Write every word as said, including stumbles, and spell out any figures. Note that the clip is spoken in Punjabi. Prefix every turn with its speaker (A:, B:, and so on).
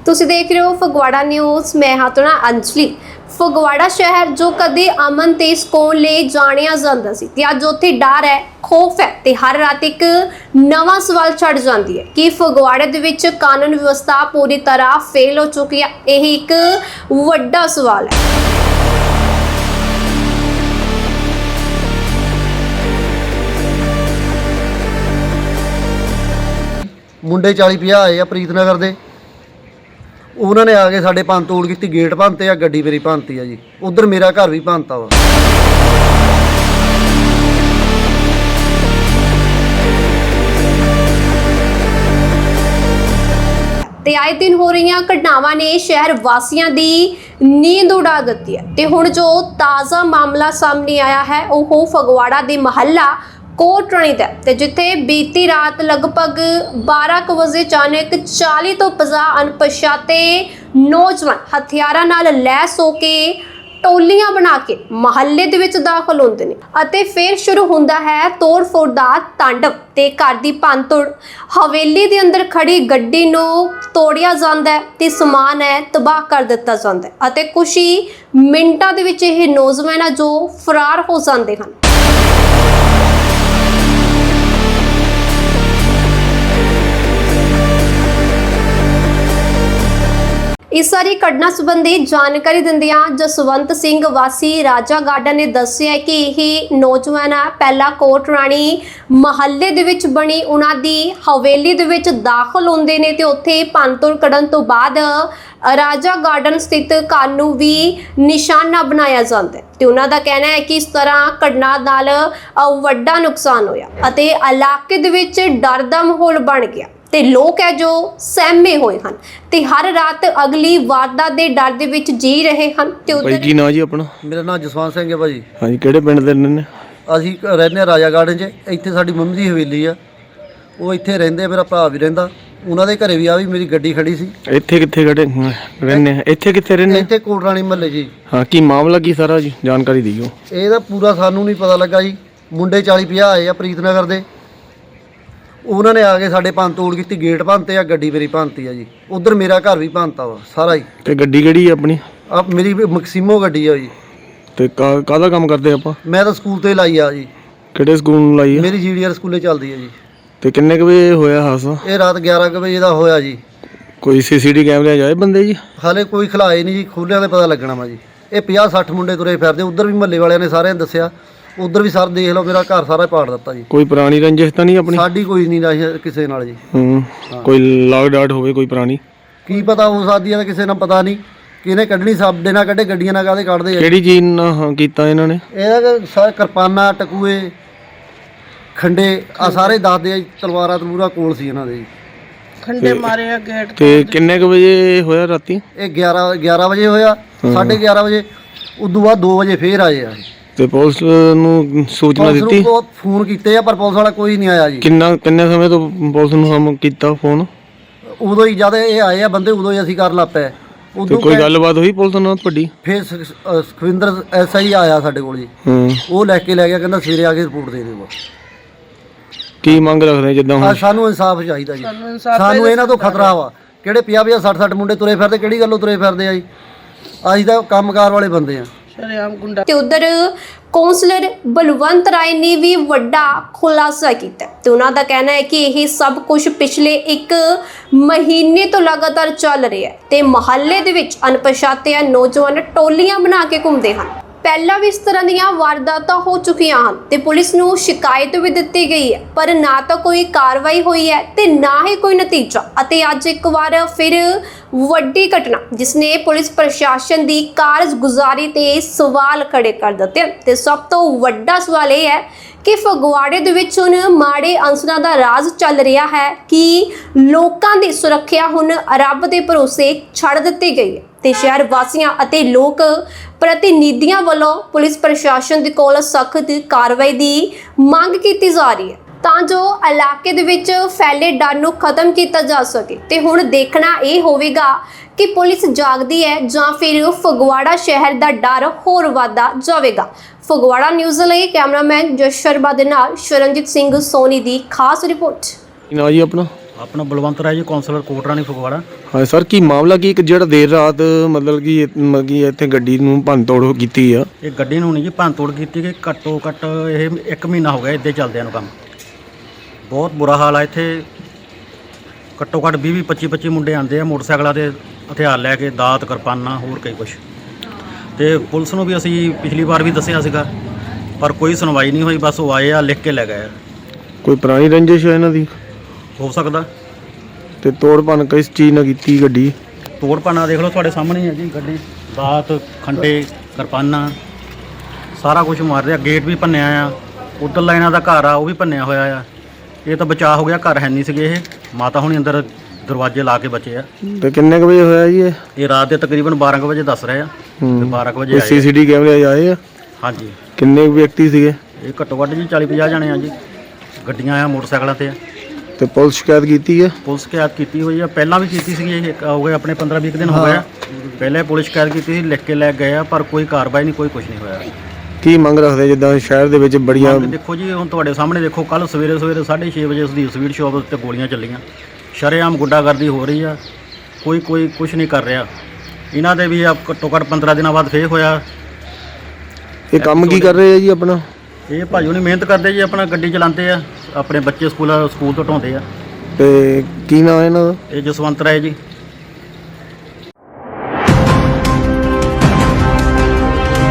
A: ਤੁਸੀਂ ਦੇਖ ਰਹੇ ਹੋ ਫਗਵਾੜਾ ਨਿਊਜ਼। मैं हाँ तो ना अंजलि। ਫਗਵਾੜਾ ਸ਼ਹਿਰ ਜੋ ਕਦੇ ਅਮਨ ਤੇ ਸਕੂਨ ਲਈ ਜਾਣਿਆ ਜਾਂਦਾ ਸੀ ਤੇ ਅੱਜ ਉੱਥੇ ਡਰ ਹੈ, ਖੌਫ ਹੈ ਤੇ ਹਰ ਰਾਤ ਇੱਕ ਨਵਾਂ ਸਵਾਲ ਛੱਡ ਜਾਂਦੀ ਹੈ ਕਿ ਫਗਵਾੜੇ ਦੇ ਵਿੱਚ ਕਾਨੂੰਨ ਵਿਵਸਥਾ ਪੂਰੀ ਤਰ੍ਹਾਂ ਫੇਲ ਹੋ ਚੁੱਕੀ ਹੈ। ਇਹ ਇੱਕ ਵੱਡਾ ਸਵਾਲ ਹੈ।
B: ਮੁੰਡੇ ਚਾਲੀ ਪੰਜਾਹ ਆਏ ਆ ਪ੍ਰੀਤ ਨਗਰ ਦੇ। ਉਹਨਾਂ ਨੇ ਆ ਕੇ ਸਾਡੇ ਭੰਨ ਤੋੜ ਕੀਤੀ, ਗੇਟ ਭੰਨਤੇ ਆ, ਗੱਡੀ ਮੇਰੀ ਭੰਨਤੀ ਆ ਜੀ। ਉਧਰ ਮੇਰਾ ਘਰ ਵੀ ਭੰਨਤਾ ਵਾ।
A: ਤੇ ਆਏ ਦਿਨ ਹੋ ਰਹੀਆਂ ਘਟਨਾਵਾਂ ਨੇ ਸ਼ਹਿਰ ਵਾਸੀਆਂ ਦੀ ਨੀਂਦ ਉਡਾ ਦਿੱਤੀ ਹੈ ਤੇ ਹੁਣ ਜੋ ਤਾਜ਼ਾ ਮਾਮਲਾ ਸਾਹਮਣੇ ਆਇਆ ਹੈ ਉਹ ਫਗਵਾੜਾ ਦੇ ਮਹੱਲਾ ਕੋਟਰਾਣੀ ਦਾ ਤੇ ਜਿੱਥੇ ਬੀਤੀ ਰਾਤ ਲਗਭਗ ਬਾਰਾਂ ਕੁ ਵਜੇ ਅਚਾਨਕ ਚਾਲੀ ਤੋਂ ਪੰਜਾਹ ਅਣਪਛਾਤੇ ਨੌਜਵਾਨ ਹਥਿਆਰਾਂ ਨਾਲ ਲੈਸ ਹੋ ਕੇ ਟੋਲੀਆਂ ਬਣਾ ਕੇ ਮਹੱਲੇ ਦੇ ਵਿੱਚ ਦਾਖਲ ਹੁੰਦੇ ਨੇ ਅਤੇ ਫਿਰ ਸ਼ੁਰੂ ਹੁੰਦਾ ਹੈ ਤੋੜ-ਫੋੜ ਦਾ ਤਾਂਡਵ ਤੇ ਘਰ ਦੀ ਭੰਨਤੋੜ। ਹਵੇਲੀ ਦੇ ਅੰਦਰ ਖੜੀ ਗੱਡੀ ਨੂੰ ਤੋੜਿਆ ਜਾਂਦਾ ਹੈ ਤੇ ਸਮਾਨ ਹੈ ਤਬਾਹ ਕਰ ਦਿੱਤਾ ਜਾਂਦਾ ਹੈ ਅਤੇ ਕੁਝ ਹੀ ਮਿੰਟਾਂ ਦੇ ਵਿੱਚ ਇਹ ਨੌਜਵਾਨ ਆ ਜੋ ਫਰਾਰ ਹੋ ਜਾਂਦੇ ਹਨ। इस सारी घटना संबंधी जानकारी दिंदियां जसवंत सिंह वासी राजा गार्डन ने दस्सिया कि यह नौजवान पहला कोटराणी महल्ले दे विच बनी उन्हां दी हवेली दे विच दाखल होंदे ने ते उत्थे भंनतोड़ कढन तो बाद राजा गार्डन स्थित घर नूं भी निशाना बनाया जाता है ते उन्हां दा कहना है कि इस तरह घटना नाल वड्डा नुकसान होया अते इलाके दे विच डर दा माहौल बन गया ਤੇ ਲੋਕ ਹੈ ਜੋ ਸਹਿਮੇ ਹੋਏ ਹਨ ਤੇ ਹਰ ਰਾਤ ਅਗਲੀ ਵਾਰਦਾਤ ਦੇ ਡਰ ਦੇ ਵਿੱਚ ਜੀ ਰਹੇ ਹਨ। ਤੇ
C: ਭਾਈ ਕੀ ਨਾਂ ਜੀ ਆਪਣਾ?
B: ਮੇਰਾ ਨਾਮ ਜਸਵੰਤ ਸਿੰਘ ਹੈ ਭਾਜੀ।
C: ਹਾਂਜੀ, ਕਿਹੜੇ ਪਿੰਡ ਦੇ ਨੇ?
B: ਅਸੀਂ ਰਹਿੰਦੇ ਆ ਰਾਜਾ ਗਾਰਡਨ 'ਚ। ਇੱਥੇ ਸਾਡੀ ਮੰਮੀ ਦੀ ਹਵੇਲੀ ਆ, ਉਹ ਇੱਥੇ ਰਹਿੰਦੇ। ਮੇਰਾ ਭਰਾ ਵੀ ਰਹਿੰਦਾ, ਉਹਨਾਂ ਦੇ ਘਰੇ ਵੀ ਆ ਵੀ ਮੇਰੀ ਗੱਡੀ ਖੜੀ ਸੀ।
C: ਇੱਥੇ ਕਿੱਥੇ ਖੜੇ ਰਹਿੰਦੇ ਆ? ਇੱਥੇ ਕਿੱਥੇ ਰਹਿੰਦੇ?
B: ਇੱਥੇ ਕੋਟਰਾਣੀ ਮਹੱਲੇ ਜੀ।
C: ਹਾਂ, ਕੀ ਮਾਮਲਾ ਕੀ ਸਾਰਾ ਜੀ ਜਾਣਕਾਰੀ ਦਿਓ।
B: ਇਹਦਾ ਪੂਰਾ ਸਾਨੂੰ ਨਹੀਂ ਪਤਾ ਲੱਗਾ ਜੀ। ਮੁੰਡੇ ਚਾਲੀ ਪੰਜਾਹ ਆਏ ਆ ਪ੍ਰੀਤ ਨਗਰ ਦੇ। ਉਹਨਾਂ ਨੇ ਆ ਕੇ ਸਾਡੇ ਭੰਨ ਤੋੜ ਕੀਤੀ, ਗੇਟ ਭੰਨਤੇ ਆ, ਗੱਡੀ ਮੇਰੀ ਭੰਨਤੀ ਆ ਜੀ। ਉਧਰ ਮੇਰਾ ਘਰ ਵੀ ਭੰਨਤਾ ਵਾ ਸਾਰਾ ਹੀ।
C: ਤੇ ਗੱਡੀ ਕਿਹੜੀ ਆ ਆਪਣੀ? ਆ
B: ਮੇਰੀ ਮੈਕਸੀਮੋ ਗੱਡੀ ਆ ਜੀ।
C: ਤੇ ਕਾਹਦਾ ਕੰਮ ਕਰਦੇ ਆਪਾਂ?
B: ਮੈਂ ਤਾਂ ਸਕੂਲ ਤੇ ਲਾਈ ਆ ਜੀ।
C: ਕਿਹੜੇ ਸਕੂਲ ਨੂੰ ਲਾਈ ਆ?
B: ਮੇਰੀ ਜੀਡੀਆਰ ਸਕੂਲੇ ਚੱਲਦੀ ਆ ਜੀ। ਤੇ
C: ਕਿੰਨੇ ਕੁ ਵਜੇ ਹੋਇਆ ਹਾਦਸਾ?
B: ਇਹ ਰਾਤ ਗਿਆਰਾਂ ਕੁ ਵਜੇ ਦਾ ਹੋਇਆ ਜੀ।
C: ਕੋਈ ਸੀਸੀਟੀ ਕੈਮਰੇ ਜਾਏ ਬੰਦੇ ਜੀ?
B: ਹਾਲੇ ਕੋਈ ਖਿਲਾਏ ਨਹੀਂ ਜੀ, ਖੋਲਿਆਂ ਤੇ ਪਤਾ ਲੱਗਣਾ ਵਾ ਜੀ। ਇਹ ਪੰਜਾਹ ਸੱਠ ਮੁੰਡੇ ਤੁਰੇ ਫਿਰਦੇ। ਉਧਰ ਵੀ ਮਹੱਲੇ ਵਾਲਿਆਂ ਨੇ ਸਾਰਿਆਂ ਨੇ ਦੱਸਿਆ। ਉਧਰ ਵੀ ਸਰ ਦੇਖ ਲਓ, ਮੇਰਾ ਘਰ ਸਾਰਾ ਪਾੜ ਦਿੱਤਾ ਜੀ।
C: ਕੋਈ ਪੁਰਾਣੀ ਰੰਜਿਸ਼ ਤਾਂ ਨਹੀਂ ਆਪਣੀ?
B: ਸਾਡੀ ਕੋਈ ਨਹੀਂ ਰਾਜ ਕਿਸੇ ਨਾਲ ਜੀ।
C: ਹੂੰ, ਕੋਈ ਲਾਗ ਡਾਟ ਹੋਵੇ ਕੋਈ ਪੁਰਾਣੀ?
B: ਕੀ ਪਤਾ ਹੋ ਸਕਦੀ ਹੈ, ਕਿਸੇ ਨਾਲ ਪਤਾ ਨਹੀਂ ਕਿਹਨੇ ਕੱਢਣੀ। ਸਾਡੇ ਨਾਲ ਕੱਢੇ, ਗੱਡੀਆਂ ਨਾਲ ਕਾਹਦੇ ਕੱਢਦੇ ਆ।
C: ਕਿਹੜੀ ਚੀਜ਼ ਨਾਲ ਹਾਂ ਕੀਤਾ ਇਹਨਾਂ ਨੇ?
B: ਇਹਦਾ ਸਾਰੇ ਕਿਰਪਾਨਾਂ, ਟਕੂਏ, ਖੰਡੇ ਆ ਸਾਰੇ ਦੱਸਦੇ ਆ ਜੀ। ਤਲਵਾਰਾਂ ਤਲੂਰਾ ਕੋਲ ਸੀ ਇਹਨਾਂ ਦੇ ਜੀ।
D: ਖੰਡੇ ਮਾਰੇ ਆ ਗੇਟ
C: ਤੇ ਕਿੰਨੇ ਕੁ ਵਜੇ ਹੋਇਆ ਰਾਤੀ?
B: ਇਹ ਗਿਆਰਾਂ ਗਿਆਰਾਂ ਵਜੇ ਹੋਇਆ, ਸਾਢੇ ਗਿਆਰਾਂ ਵਜੇ। ਉਦੋਂ ਬਾਅਦ ਦੋ ਵਜੇ ਫੇਰ ਆਏ ਆ।
C: ਤੇ ਪੁਲਿਸ ਨੂੰ ਸੂਚਨਾ ਦਿੱਤੀ?
B: ਬਹੁਤ ਫੋਨ ਕੀਤੇ ਆ ਪਰ ਪੁਲਿਸ ਵਾਲਾ ਕੋਈ ਨਹੀਂ ਆਇਆ ਜੀ। ਕਿੰਨਾ
C: ਕਿੰਨੇ ਸਮੇਂ ਤੋਂ ਪੁਲਿਸ ਨੂੰ ਹਮ ਕੀਤਾ ਫੋਨ?
B: ਉਦੋਂ ਹੀ ਜਦ ਇਹ ਆਏ ਆ ਬੰਦੇ, ਉਦੋਂ ਹੀ ਅਸੀਂ ਕਰਨ ਲੱਗ ਪਏ।
C: ਉਦੋਂ ਕੋਈ ਗੱਲਬਾਤ ਹੋਈ ਪੁਲਿਸ ਨਾਲ ਤੁਹਾਡੀ?
B: ਫਿਰ ਸੁਖਵਿੰਦਰ ਐਸਆਈ ਆਇਆ ਸਾਡੇ ਕੋਲ ਜੀ।
C: ਹੂੰ, ਉਹ
B: ਲੈ ਕੇ ਲੈ ਗਿਆ, ਕਹਿੰਦਾ ਸਵੇਰੇ ਆ ਕੇ ਰਿਪੋਰਟ ਦੇ ਦਿਓ।
C: ਕੀ ਮੰਗ ਰੱਖਦੇ ਜਿੱਦਾਂ ਹੁਣ?
B: ਸਾਨੂੰ ਇਨਸਾਫ ਚਾਹੀਦਾ ਜੀ। ਸਾਨੂੰ ਇਹਨਾਂ ਤੋਂ ਖਤਰਾ ਵਾ। ਕਿਹੜੇ ਪੰਜਾਹ ਪੰਜਾਹ ਸੱਠ ਸੱਠ ਮੁੰਡੇ ਤੁਰੇ ਫਿਰਦੇ, ਕਿਹੜੀ ਗੱਲੋਂ ਤੁਰੇ ਫਿਰਦੇ ਆ ਜੀ? ਅਸੀਂ ਤਾਂ ਕੰਮਕਾਰ ਵਾਲੇ ਬੰਦੇ ਆ।
A: ਤੇ ਉਧਰ ਕੌਂਸਲਰ ਬਲਵੰਤ ਰਾਏ ਨੇ ਵੀ ਵੱਡਾ ਖੁਲਾਸਾ ਕੀਤਾ ਤੇ ਉਹਨਾਂ ਦਾ ਕਹਿਣਾ ਹੈ ਕਿ ਇਹ ਸਭ ਕੁਝ ਪਿਛਲੇ ਇੱਕ ਮਹੀਨੇ ਤੋਂ ਲਗਾਤਾਰ ਚੱਲ ਰਿਹਾ ਹੈ ਤੇ ਮਹੱਲੇ ਦੇ ਵਿੱਚ ਅਣਪਛਾਤੇ ਨੌਜਵਾਨ ਟੋਲੀਆਂ ਬਣਾ ਕੇ ਘੁੰਮਦੇ ਹਨ। ਪਹਿਲਾਂ ਵੀ ਇਸ ਤਰ੍ਹਾਂ ਦੀਆਂ ਵਾਰਦਾਤਾਂ ਹੋ ਚੁੱਕੀਆਂ ਹਨ ਤੇ ਪੁਲਿਸ ਨੂੰ ਸ਼ਿਕਾਇਤ ਵੀ ਦਿੱਤੀ ਗਈ ਹੈ ਪਰ ਨਾ ਤਾਂ ਕੋਈ ਕਾਰਵਾਈ ਹੋਈ ਹੈ ਤੇ ਨਾ ਹੀ ਕੋਈ ਨਤੀਜਾ। ਅਤੇ ਅੱਜ ਇੱਕ ਵਾਰ ਫਿਰ ਵੱਡੀ ਘਟਨਾ ਜਿਸ ਨੇ ਪੁਲਿਸ ਪ੍ਰਸ਼ਾਸਨ ਦੀ ਕਾਰਜਗੁਜ਼ਾਰੀ ਤੇ ਸਵਾਲ ਖੜੇ ਕਰ ਦਿੱਤੇ ਤੇ ਸਭ ਤੋਂ ਵੱਡਾ ਸਵਾਲ ਇਹ ਹੈ ਕਿ ਫਗਵਾੜੇ ਦੇ ਵਿੱਚ ਹੁਣ ਮਾੜੇ ਅੰਸਰਾਂ ਦਾ ਰਾਜ ਚੱਲ ਰਿਹਾ ਹੈ ਕਿ ਲੋਕਾਂ ਦੀ ਸੁਰੱਖਿਆ ਹੁਣ ਰੱਬ ਦੇ ਭਰੋਸੇ ਛੱਡ ਦਿੱਤੀ ਗਈ ਹੈ ਤੇ ਸ਼ਹਿਰ ਵਾਸੀਆਂ ਅਤੇ ਲੋਕ ਪ੍ਰਤੀਨਿਧੀਆਂ ਵੱਲੋਂ ਪੁਲਿਸ ਪ੍ਰਸ਼ਾਸਨ ਦੇ ਕੋਲ ਸਖਤ ਕਾਰਵਾਈ ਦੀ ਮੰਗ ਕੀਤੀ ਜਾ ਰਹੀ ਹੈ ਤਾਂ ਜੋ ਇਲਾਕੇ ਦੇ ਵਿੱਚ ਫੈਲੇ ਡਰ ਨੂੰ ਖਤਮ ਕੀਤਾ ਜਾ ਸਕੇ। ਤੇ ਹੁਣ ਦੇਖਣਾ ਇਹ ਹੋਵੇਗਾ ਕਿ ਪੁਲਿਸ ਜਾਗਦੀ ਹੈ ਜਾਂ ਫਿਰ ਫਗਵਾੜਾ ਸ਼ਹਿਰ ਦਾ ਡਰ ਹੋਰ ਵਧਦਾ ਜਾਵੇਗਾ। ਫਗਵਾੜਾ ਨਿਊਜ਼ ਲਈ ਕੈਮਰਾਮੈਨ ਜਸ ਸ਼ਰਮਾ ਦੇ ਨਾਲ ਸ਼ਰਨਜੀਤ ਸਿੰਘ ਸੋਨੀ ਦੀ ਖਾਸ ਰਿਪੋਰਟ।
C: ਨਾ ਜੀ ਆਪਣਾ?
E: ਆਪਣਾ ਬਲਵੰਤ ਰਾਏ ਜੀ ਕਾਉਂਸਲਰ ਕੋਟਰਾਣੀ ਫਗਵਾੜਾ।
C: ਹਾਂ ਸਰ, ਕੀ ਮਾਮਲਾ ਕੀ ਇੱਕ ਜਿਹੜਾ ਦੇਰ ਰਾਤ ਮਤਲਬ ਕਿ ਇਹ- ਮਤਲਬ ਕਿ ਇੱਥੇ ਗੱਡੀ ਨੂੰ ਭੰਨ ਤੋੜ ਕੀਤੀ ਆ?
E: ਇਹ ਗੱਡੀ ਨੂੰ ਨਹੀਂ ਜੀ ਭੰਨ ਤੋੜ ਕੀਤੀ ਕਿ ਘੱਟੋ ਘੱਟ ਇਹ ਇੱਕ ਮਹੀਨਾ ਹੋ ਗਿਆ ਇੱਦਾਂ ਚੱਲਦਿਆਂ ਨੂੰ ਕੰਮ। ਬਹੁਤ ਬੁਰਾ ਹਾਲ ਆ ਇੱਥੇ। ਘੱਟੋ ਘੱਟ ਵੀਹ ਵੀਹ ਪੱਚੀ ਪੱਚੀ ਮੁੰਡੇ ਆਉਂਦੇ ਆ ਮੋਟਰਸਾਈਕਲਾਂ ਤੇ ਹਥਿਆਰ ਲੈ ਕੇ, ਦਾਤ ਕਿਰਪਾਨਾਂ ਹੋਰ ਕਈ ਕੁਛ। ਤੇ ਪੁਲਿਸ ਨੂੰ ਵੀ ਅਸੀਂ ਪਿਛਲੀ ਵਾਰ ਵੀ ਦੱਸਿਆ ਸੀਗਾ ਪਰ ਕੋਈ ਸੁਣਵਾਈ ਨਹੀਂ ਹੋਈ। ਬਸ ਉਹ ਆਏ ਆ, ਲਿਖ ਕੇ ਲੈ ਗਏ ਆ।
C: ਕੋਈ ਪੁਰਾਣੀ ਰੰਜਿਸ਼ ਹੈ ਇਹਨਾਂ ਦੀ?
E: ਹੋ ਸਕਦਾ।
C: ਤੇ ਤੋੜ ਭੰਨ ਕਿਸ ਚੀਜ਼ ਨਾਲ ਕੀਤੀ ਗੱਡੀ?
E: ਤੋੜ ਭੰਨਾ ਦੇਖ ਲਓ ਤੁਹਾਡੇ ਸਾਹਮਣੇ ਹੀ ਹੈ ਜੀ ਗੱਡੀ। ਦਾਤ, ਖੰਡੇ, ਕਿਰਪਾਨਾਂ ਸਾਰਾ ਕੁਝ ਮਾਰ ਰਿਹਾ। ਗੇਟ ਵੀ ਭੰਨਿਆ ਆ। ਉੱਧਰਲਾ ਇਹਨਾਂ ਦਾ ਘਰ ਆ ਉਹ ਵੀ ਭੰਨਿਆ ਹੋਇਆ ਆ। ਇਹ ਤਾਂ ਬਚਾਅ ਹੋ ਗਿਆ, ਘਰ ਹੈ ਨਹੀਂ ਸੀਗੇ। ਇਹ ਮਾਤਾ ਹੁਣੀ ਅੰਦਰ ਦਰਵਾਜ਼ੇ ਲਾ ਕੇ ਬਚੇ ਆ।
C: ਤੇ ਕਿੰਨੇ ਕੁ ਵਜੇ ਹੋਇਆ ਜੀ ਇਹ?
E: ਇਹ ਰਾਤ ਦੇ ਤਕਰੀਬਨ ਬਾਰਾਂ ਕੁ ਵਜੇ ਦੱਸ ਰਹੇ ਆ। ਤੇ ਬਾਰਾਂ ਕੁ ਵਜੇ
C: ਕੋਈ
E: ਆਏ ਆ।
C: ਸੀਸੀਟੀ ਕੈਮਰੇ ਆਏ ਆ?
E: ਹਾਂਜੀ,
C: ਕਿੰਨੇ ਕੁ ਵਿਅਕਤੀ ਸੀਗੇ?
E: ਇਹ ਘੱਟੋ ਘੱਟ ਜੀ ਚਾਲੀ ਪੰਜਾਹ ਜਣੇ ਆ ਜੀ। ਗੱਡੀਆਂ ਆ, ਮੋਟਰਸਾਈਕਲਾਂ ਤੇ ਆ।
C: ਤੇ ਪੁਲਿਸ ਸ਼ਿਕਾਇਤ ਕੀਤੀ ਹੈ?
E: ਪੁਲਿਸ ਸ਼ਿਕਾਇਤ ਕੀਤੀ ਹੋਈ ਆ, ਪਹਿਲਾਂ ਵੀ ਕੀਤੀ ਸੀਗੀ। ਇਹ ਇੱਕ ਹੋ ਗਏ ਆਪਣੇ ਪੰਦਰਾਂ ਵੀਹ ਦਿਨ ਹੋ ਗਏ ਆ। ਪਹਿਲੇ ਪੁਲਿਸ ਸ਼ਿਕਾਇਤ ਕੀਤੀ ਸੀ, ਲਿਖ ਕੇ ਲੈ ਗਏ ਆ, ਪਰ ਕੋਈ ਕਾਰਵਾਈ ਨਹੀਂ, ਕੋਈ ਕੁਝ ਨਹੀਂ ਹੋਇਆ।
C: ਕੀ ਮੰਗ ਰੱਖਦੇ ਜਿੱਦਾਂ ਸ਼ਹਿਰ ਦੇ ਵਿੱਚ ਬੜੀਆਂ
E: ਮੰਗ ਦੇਖੋ ਜੀ, ਹੁਣ ਤੁਹਾਡੇ ਸਾਹਮਣੇ ਦੇਖੋ, ਕੱਲ ਸਵੇਰੇ ਸਵੇਰੇ ਸਾਢੇ ਛੇ ਵਜੇ ਉਸਦੀ ਸਵੀਟ ਸ਼ਾਪ ਉੱਤੇ ਗੋਲੀਆਂ ਚੱਲੀਆਂ। ਸ਼ਰੇਆਮ ਗੁੰਡਾਗਰਦੀ ਹੋ ਰਹੀ ਆ। ਕੋਈ ਕੋਈ ਕੁਝ ਨਹੀਂ ਕਰ ਰਿਹਾ। ਇਹਨਾਂ ਦੇ ਵੀ ਆ ਘੱਟੋ ਘੱਟ ਪੰਦਰਾਂ ਦਿਨਾਂ ਬਾਅਦ ਫੇਰ ਹੋਇਆ।
C: ਇਹ ਕੰਮ ਕੀ ਕਰ ਰਹੇ ਆ ਜੀ ਆਪਣਾ?
E: ਇਹ ਭਾਜੂ ਨਹੀਂ ਮਿਹਨਤ ਕਰਦੇ ਜੀ, ਆਪਣਾ ਗੱਡੀ ਚਲਾਉਂਦੇ ਆ, ਆਪਣੇ ਬੱਚੇ ਸਕੂਲ ਸਕੂਲ ਤੋਂ ਢਾਉਂਦੇ ਆ।
C: ਤੇ ਕੀ ਨਾਮ ਹੈ ਇਹਨਾਂ ਦਾ?
E: ਇਹ ਜਸਵੰਤ ਰਾਏ ਜੀ।